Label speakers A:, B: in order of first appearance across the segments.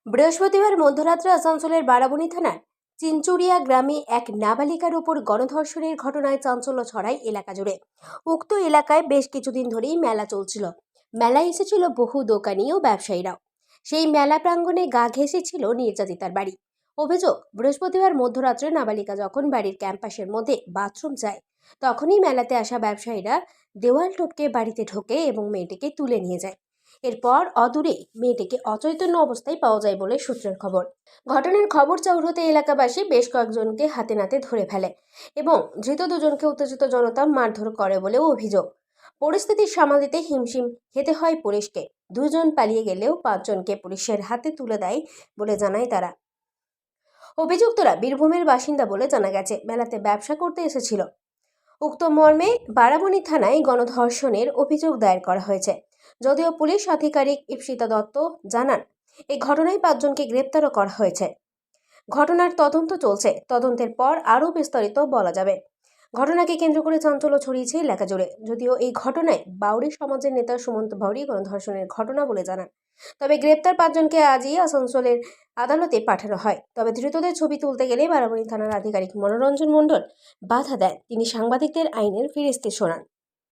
A: বৃহস্পতিবার মধ্যরাত্রে আসানসোলের বারাবণী থানার চিনচুরিয়া গ্রামে এক নাবালিকার উপর গণধর্ষণের ঘটনায় চাঞ্চল্য ছড়ায় এলাকা জুড়ে। উক্ত এলাকায় বেশ কিছুদিন ধরেই মেলা চলছিল। মেলায় এসেছিল বহু দোকানি ও ব্যবসায়ীরাও। সেই মেলা প্রাঙ্গণে গা ঘেঁষেছিল নির্যাতিতার বাড়ি। অভিযোগ, বৃহস্পতিবার মধ্যরাত্রে নাবালিকা যখন বাড়ির ক্যাম্পাসের মধ্যে বাথরুম যায়, তখনই মেলাতে আসা ব্যবসায়ীরা দেওয়াল টপকে বাড়িতে ঢোকে এবং মেয়েটিকে তুলে নিয়ে যায়। এরপর অদূরে মেয়েটিকে অচৈতন্য অবস্থায় পাওয়া যায় বলে সূত্রের খবর। ঘটনার খবর চাউর হতে এলাকাবাসী বেশ কয়েকজনকে হাতে নাতে ধরে ফেলে এবং ধৃত দুজনকে উত্তেজিত জনতা মারধর করে বলেও অভিযোগ। পরিস্থিতি সামাল দিতে হিমশিম খেতে হয় পুলিশকে। দুজন পালিয়ে গেলেও 5 জনকে পুলিশের হাতে তুলে দেয় বলে জানায় তারা। অভিযুক্তরা বীরভূমের বাসিন্দা বলে জানা গেছে। মেলাতে ব্যবসা করতে এসেছিল। উক্ত মর্মে বারাবণী থানায় গণধর্ষণের অভিযোগ দায়ের করা হয়েছে। যদিও পুলিশ আধিকারিক ইপ্সিতা দত্ত জানান, এই ঘটনায় 5 জনকে গ্রেপ্তারও করা হয়েছে। ঘটনার তদন্ত চলছে। তদন্তের পর আরও বিস্তারিত বলা যাবে। ঘটনাকে কেন্দ্র করে চাঞ্চল্য ছড়িয়েছে এলাকা জুড়ে। যদিও এই ঘটনায় বাউরি সমাজের নেতা সুমন্ত বাউরি গণধর্ষণের ঘটনা বলে জানান। তবে গ্রেপ্তার 5 জনকে আজই আসানসোলের আদালতে পাঠানো হয়। তবে ধৃতদের ছবি তুলতে গেলে বারাবণী থানার আধিকারিক মনোরঞ্জন মণ্ডল বাধা দেন। তিনি সাংবাদিকদের আইনের ফিরিস্তি শোনান।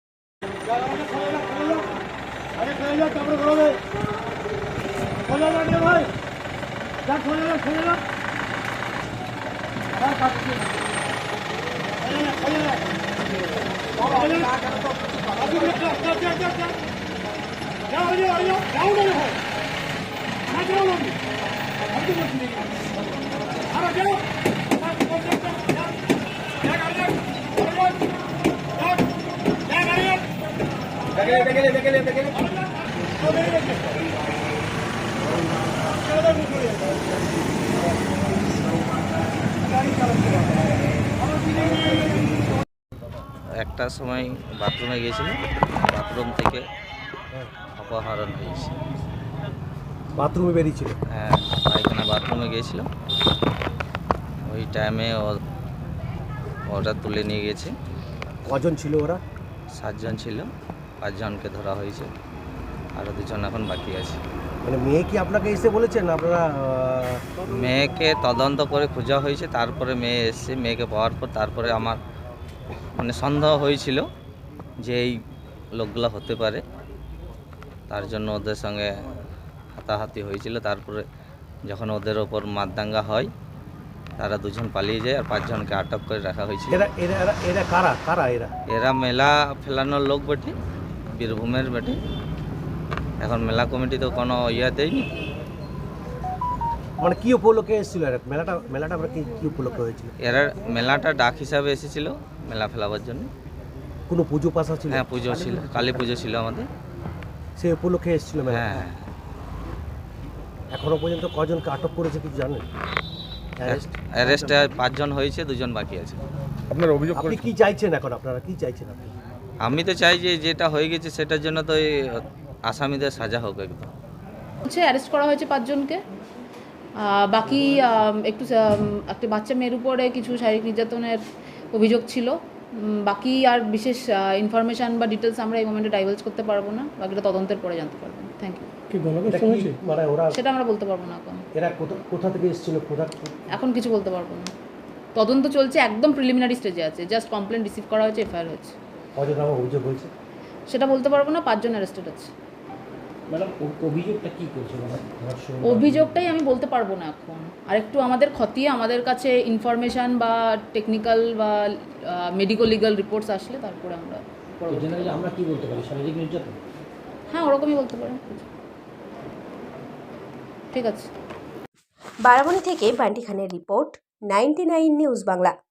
B: একটার সময় বাথরুমে গিয়েছিল, বাথরুম থেকে অপহরণ হয়েছে।
C: বাথরুমে বেরিয়েছিল?
B: হ্যাঁ, পায়খানা বাথরুমে গিয়েছিল। ওই টাইমে ওরা তুলে নিয়ে গেছে।
C: কজন ছিল ওরা?
B: 7 জন ছিল। 5 জনকে ধরা হয়েছে, আরও 2 জন এখন বাকি আছে।
C: মানে মেয়ে কি আপনাকে এসে বলেছেন? আপনারা
B: মেয়েকে তদন্ত করে খোঁজা হয়েছে, তারপরে মেয়ে এসছে। মেয়েকে পাওয়ার পর তারপরে আমার সন্দেহ হয়েছিল যে এই লোকগুলো হতে পারে, তার জন্য ওদের সঙ্গে হাতাহাতি হয়েছিল। তারপরে যখন ওদের ওপর মারদাঙ্গা হয়, তারা 2 জন পালিয়ে যায় আর 5 জনকে আটক করে রাখা হয়েছিল।
C: এরা কারা?
B: এরা মেলা ফেলানোর লোক বটে, বীরভূমের বটে। এখন মেলা কমিটি তো কোনো দেয়নি।
C: মানে কি উপলক্ষে এসেছিল মেলাটা আমরা কি উপলক্ষে হয়েছিল?
B: এরা মেলাটা ডাক হিসাবে এসেছিল মেলা ফেলাবার জন্য।
C: কোনো পুজো পাশা ছিল?
B: হ্যাঁ, পুজো ছিল, কালী পুজো ছিল আমাদের।
C: সেই উপলক্ষে এসেছিল মেলা?
B: হ্যাঁ।
C: এখনো পর্যন্ত কজনকে আটক করেছে কিছু জানেন?
B: অ্যারেস্টে 5 জন হয়েছে, 2 জন বাকি আছে।
C: আপনার অভিযোগ, আপনি কি চাইছেন এখন? আপনারা কি চাইছেন?
B: আমি তো চাই যে যেটা হয়ে গেছে সেটার জন্য তো এই আসামিদের সাজা হোক একদম।
D: অ্যারেস্ট করা হয়েছে 5 জনকে। বাকি একটা বাচ্চা মেয়ের উপরে কিছু শারীরিক নির্যাতনের অভিযোগ ছিল। বাকি আর বিশেষ ইনফরমেশান বা ডিটেলস আমরা এই মোমেন্টে ডাইভালজ করতে পারবো না। বাকিটা তদন্তের পরে জানতে পারবেন। Thank you. সেটা আমরা বলতে পারবো না এখন।
C: এরা কোথা থেকে এসেছিল?
D: এখন কিছু বলতে পারবো না। তদন্ত চলছে, একদম প্রিলিমিনারি স্টেজে আছে। জাস্ট কমপ্লেন রিসিভ করা হয়েছে, এফআইআর হয়েছে।
C: কজন অভিযোগ হয়েছে
D: সেটা বলতে পারবো না। 5 জন অ্যারেস্টেড আছে।
C: ম্যাডাম, অভিযোগটা কি করছে?
D: অভিযোগটাই আমি বলতে পারবো না এখন। আর একটু আমাদের খতিয়ে আমাদের কাছে ইনফরমেশান বা টেকনিক্যাল বা মেডিকো লিগাল রিপোর্টস আসলে তারপরে আমরা
C: কি বলতে পারি? শারীরিক নির্যাতন?
D: হ্যাঁ, ওরকমই বলতে পারেন। ঠিক আছে।
A: বারাবণী থেকে বান্টি খানের রিপোর্ট, 99 নিউজ বাংলা।